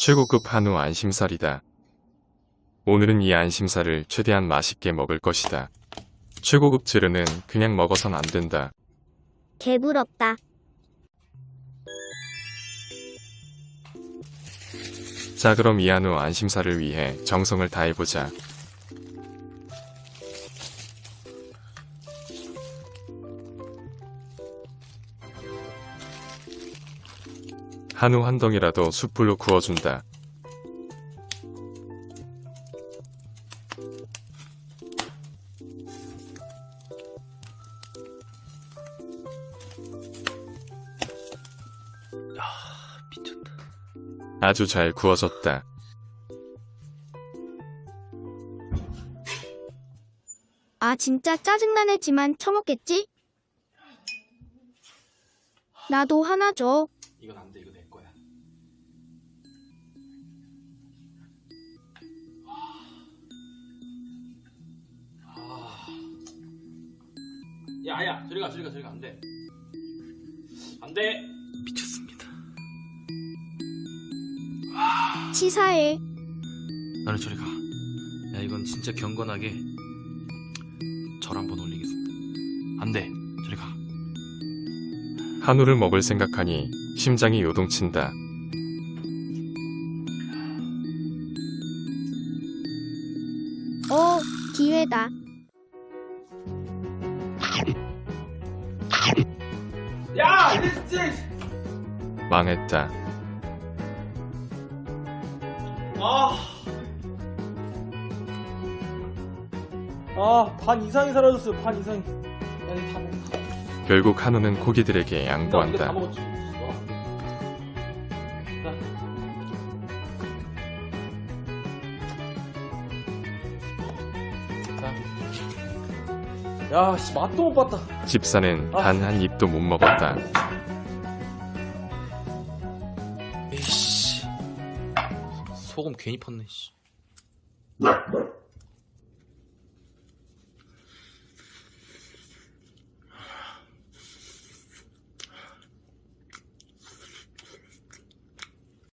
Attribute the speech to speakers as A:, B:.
A: 최고급 한우 안심살이다. 오늘은 이 안심살을 최대한 맛있게 먹을 것이다. 최고급 재료는 그냥 먹어선 안 된다.
B: 개부럽다.
A: 자, 그럼 이 한우 안심살을 위해 정성을 다해보자. 한우 한 덩이라도 숯불로 구워준다.
C: 미쳤다.
A: 아주 잘 구워졌다.
B: 아 진짜 짜증나네지만 처먹겠지? 나도 하나 줘.
C: 이건 안 돼. 이거 내 거야. 야야, 저리 가. 안 돼. 안 돼. 미쳤습니다.
B: 치사해.
C: 나는 저리 가. 야, 이건 진짜 경건하게 절 한번 올리겠습니다. 안 돼. 저리 가.
A: 한우를 먹을 생각하니 심장이 요동친다.
B: 기회다.
C: 야, 진짜.
A: 망했다.
D: 반 이상이 사라졌어요. 반 이상이. 야, 이거 다 먹었다.
A: 결국 한우는 고기들에게
D: 이거 다
A: 양보한다.
D: 먹었지. 자. 야, 씨, 맛도 못 봤다.
A: 집사는 단 한 입도 못 먹었다.
C: 에이씨. 소금 괜히 펐네, 씨.